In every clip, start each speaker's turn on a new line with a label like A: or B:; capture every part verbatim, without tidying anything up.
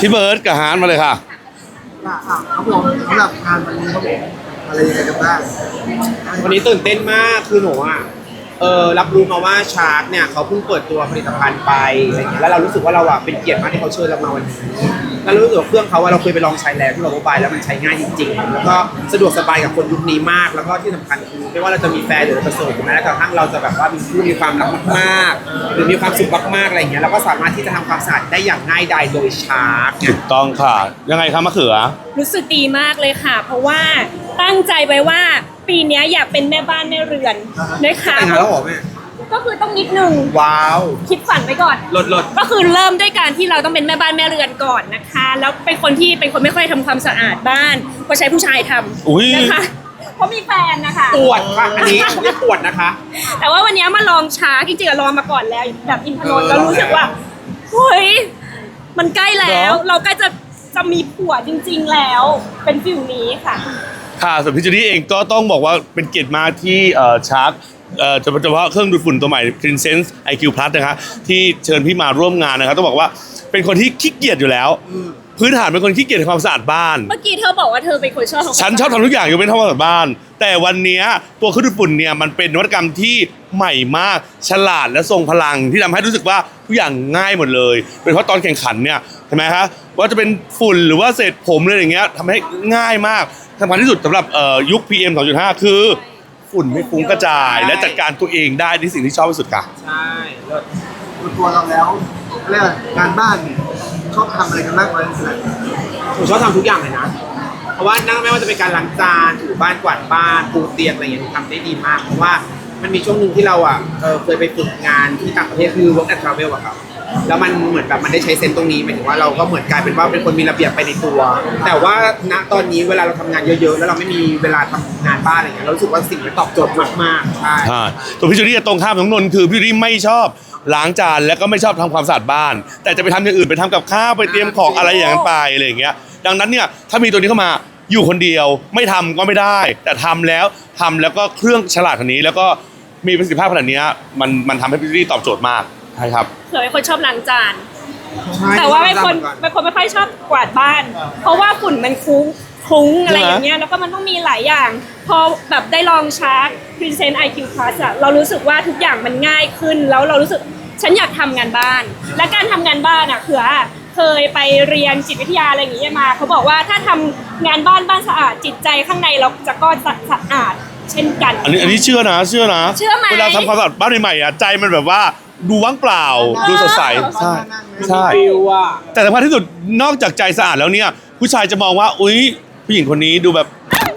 A: พี่เบิร์ดกับฮาร์ดมาเลยค่ะ
B: ครับผมสำหรับงานวันนี้ครับผมอะไรยังไงกันบ้าง
C: วันนี้ตื่นเต้นมากคือหนูอ่ะเออรับรู้มาว่าชาร์กเนี่ยเขาเพิ่งเปิดตัวผลิตภัณฑ์ไปอะไรเงี้ยแล้วเรารู้สึกว่าเราอ่ะเป็นเกียรติมากที่เขาเชิญเรามาวันนี้แล้วรู้สึกว่าเครื่องเขาว่าเราเคยไปลองใช้แล้วที่เราไปแล้วมันใช้ง่ายจริงๆแล้วก็สะดวกสบายกับคนยุคนี้มากแล้วก็ที่สำคัญคือไม่ว่าเราจะมีแฟนหรือจะโสดแม้กระทั่งเราจะแบบว่ามีคู่มีความรักมากๆหรือมีความสุขมากๆอะไรเงี้ยเราก็สามารถที่จะทำความสะอาดได้อย่างง่ายดายโดยชาร์ก
A: ถูกต้องค่ะยังไงคะมะเขือ
D: รู้สึกดีมากเลยค่ะเพราะว่าตั้งใจไว้ว่าปีนี้อยากเป็นแม่บ้านแม่เรือนนะคะ
C: แต่งงานแล้วเหรอแม่
D: ก็คือต้องนิดนึง
C: ว้าว
D: คิดฝันไว้ก่อน
C: ลดลด
D: ก็คือเริ่มด้วยการที่เราต้องเป็นแม่บ้านแม่เรือนก่อนนะคะแล้วเป็นคนที่เป็นคนไม่ค่อยทำความสะอาดบ้านก็ใช้ผู้ชายทำนะคะเพราะมีแฟนนะคะ
C: ปวดค่ะอันนี้เรียกปวดนะคะ
D: แต่ว่าวันนี้มาลองช้าจริงๆลองมาก่อนแล้วแบบอินทนนท์ก็รู้สึกว่าเฮ้ยมันใกล้แล้วเราใกล้จะจะมีผัวจริงๆแล้วเป็นฟิลนี้ค่ะ
A: ค่ะส่วนพี่จูดี้เองก็ต้องบอกว่าเป็นเกียรติมากที่เอ่อชาร์กเอ่อเฉพาะเครื่องดูดฝุ่นตัวใหม่ Cleansense ไอ คิว Plus นะคะที่เชิญพี่มาร่วมงานนะครับต้องบอกว่าเป็นคนที่ขี้เกียจอยู่แล้วพื้นฐานเป็นคนขี้เกียจในความสะอาดบ้าน
D: เมื่อกี้เธอบอกว่าเธอเป็นคนชอบ
A: ฉันชอบทำทุกอย่างยกเว้นทำความสะอาดบ้านแต่วันนี้ตัวเครื่องดูดฝุ่นเนี่ยมันเป็นนวัตกรรมที่ใหม่มากฉลาดและทรงพลังที่ทำให้รู้สึกว่าทุกอย่างง่ายหมดเลยเป็นเพราะตอนแข่งขันเนี่ยเห็นไหมคะว่าจะเป็นฝุ่นหรือว่าเศษผมอะไรอย่างเงี้ยทำให้ง่ายมากสำคัญที่สุดสำหรับยุค พี เอ็ม สองจุดห้า คือฝุ่นไม่ฟุ้งกระจายและจัดการตัวเองได้ที่สิ่งที่ชอบที่สุดค่ะ
C: ใช่
B: ตัวตัวเราแล้วเรียกงานบ้านเนี่ยชอบทำอะไรกันมากกว่านั้น
C: ผมชอบทำทุกอย่างเลยนะเพราะว่านั่งไม่ว่าจะเป็นการล้างจานถูบ้านกวาดบ้านปูเตียงอะไรอย่างเงี้ยทำได้ดีมากเพราะว่ามันมีช่วงหนึ่งที่เราอ่ะเคยไปฝึกงานที่ต่างประเทศคือ work and travel อะครับแล้วมันเหมือนแบบมันได้ใช้เซนส์ตรงนี้หมายถึงว่าเราก็เหมือนกลายเป็นว่าเป็นคนมีระเบียบไปในตัวแต่ว่าณตอนนี้เวลาเราทำงานเยอะๆแล้วเราไม่มีเวลาทำงานบ้านอะไรเงี้ยเรารู้สึกว่าสิ่งนี้ตอบโจทย์มากๆใช่
A: ใช่ตัวพี่จูดี้ตรงข้ามของนนท์คือพี่จูดี้ไม่ชอบล้างจานและก็ไม่ชอบทำความสะอาดบ้านแต่จะไปทำอย่างอื่นไปทำกับข้าวไปเตรียมของอะไรอย่างนั้นไปอะไรอย่างเงี้ยดังนั้นเนี่ยถ้ามีตัวนี้เข้ามาอยู่คนเดียวไม่ทำก็ไม่ได้แต่ทำแล้วทำแล้วก็เครื่องฉลาดขนาดนี้แล้วก็มีประสิทธิภาพขนาดนี้มันมันทำให้พี่จูดี้ตอบโจทย์มากใช่ครับ
D: เคยเป็นคนชอบล้างจานแต่ว่าเป็นคนเป็นคนไม่ค่อยชอบกวาดบ้านเพราะว่าฝุ่นมันคุ้งคุ้งอะไรอย่างเงี้ยแล้วก็มันต้องมีหลายอย่างพอแบบได้ลองชาร์จ Cleansense ไอ คิว Plus อะเรารู้สึกว่าทุกอย่างมันง่ายขึ้นแล้วเรารู้สึกฉันอยากทำงานบ้านและการทำงานบ้านอะคือเคยไปเรียนจิตวิทยาอะไรอย่างเงี้ยมาเขาบอกว่าถ้าทำงานบ้านบ้านสะอาดจิตใจข้างในเราจะก็สะอาดเช่นกัน
A: อันนี้อันนี้เชื่อนะเชื่อนะ
D: เชื่อไหม
A: เวลาทำความสะอาดบ้านใหม่ๆอะใจมันแบบว่าดูว่างเปล่าดูสดใสใช่ใช่แต่สำคัญที่สุดนอกจากใจสะอาดแล้วเนี่ยผู้ชายจะมองว่าอุ๊ยผู้หญิงคนนี้ดูแบบ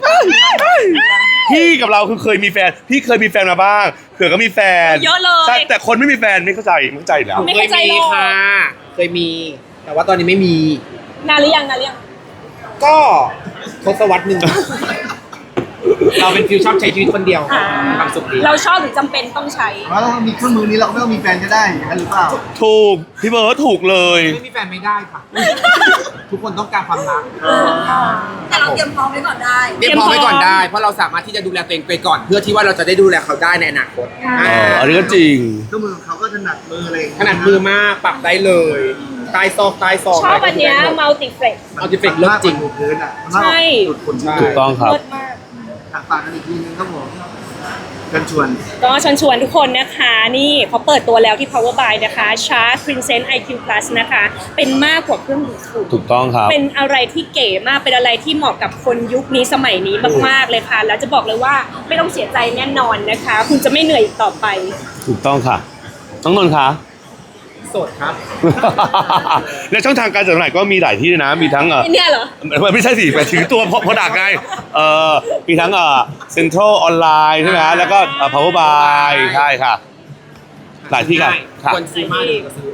A: พี่กับเราคือเคยมีแฟนพี่เคยมีแฟนมาบ้างเผื่อก็มีแฟน
D: เยอะเลย
A: ใช่แต่คนไม่มีแฟนไม่เข้าใจไม่เข้าใจแล้ว
D: ไม่เข้าใจหรอก
C: ค่ะเคยมีแต่ว่าตอนนี้ไม่มี
D: นานหรือยังนานหรือยัง
C: ก็ทศวรรษหนึ่งเราเป็นฟิวชอบใช้ชีวิตคนเดียวความสุขดี
D: เราชอบหรือจำเป็นต้องใช้
B: แล้วเรามีเครื่องมือนี้เราไม่ต้องมีแฟนก็ได้อย่างนั้นหรือเปล่า
A: ถูกพี่เบิร์ดถูกเลย
C: ไม่มีแฟนไม่ได้ค่ะทุกคนต้องการความรัก
E: แต่เราเตรียมพร้อมไว้ก่อนได้
C: เตรียมพร้อมไว้ก่อนได้เพราะเราสามารถที่จะดูแลตัวเองไปก่อนเพื่อที่ว่าเราจะได้ดูแลเขาได้ในอนาคต
A: อันนี้ก็จริง
B: เครื่องมือของเขาก็ถนัดมือเลย
C: ถนัดมือมากปรับได้เลยใต้ซอกใต้ซอก
D: ชอบอันเนี้ยมัลติเฟก
C: มัลติเฟกเลิศจริง
B: พื้นอ่ะ
D: ใช่
A: ถูกต้องครับ
B: ฝากกันอีกทีนึงครับผมเชิญชวน
D: ก็เชิญชวนทุกคนนะคะนี่เขาเปิดตัวแล้วที่ Power by นะคะชาร์จ Cleansense ไอ คิว Plus นะคะเป็นมากกว่าเครื่องดูดฝุ่น
A: ถูกต้องครับ
D: เป็นอะไรที่เก๋มากเป็นอะไรที่เหมาะกับคนยุคนี้สมัยนี้มากๆเลยค่ะแล้วจะบอกเลยว่าไม่ต้องเสียใจแน่นอนนะคะคุณจะไม่เหนื่อยอีกต่อไป
A: ถูกต้องค่ะน้องนนท์คะ
C: โสดครับ
A: และช่องทางการจำหน่ายก็มีหลายที่นะมีทั้งเออ
D: เนี่ยเหรอ
A: ไม่ใช่สิแต่ถือตัวพอดักไงเออมีทั้งเออเซ็นทรัลออนไลน์ใช่ไหมแล้วก็เอ่อ Power by ใช่ค่ะหลายที่กันค่ะ
C: คนซื้อมากก็ซื้อ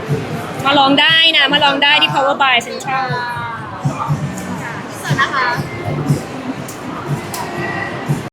D: มาลองได้นะมาลองได้ที่ Power by Central
E: สวัสดีนะคะ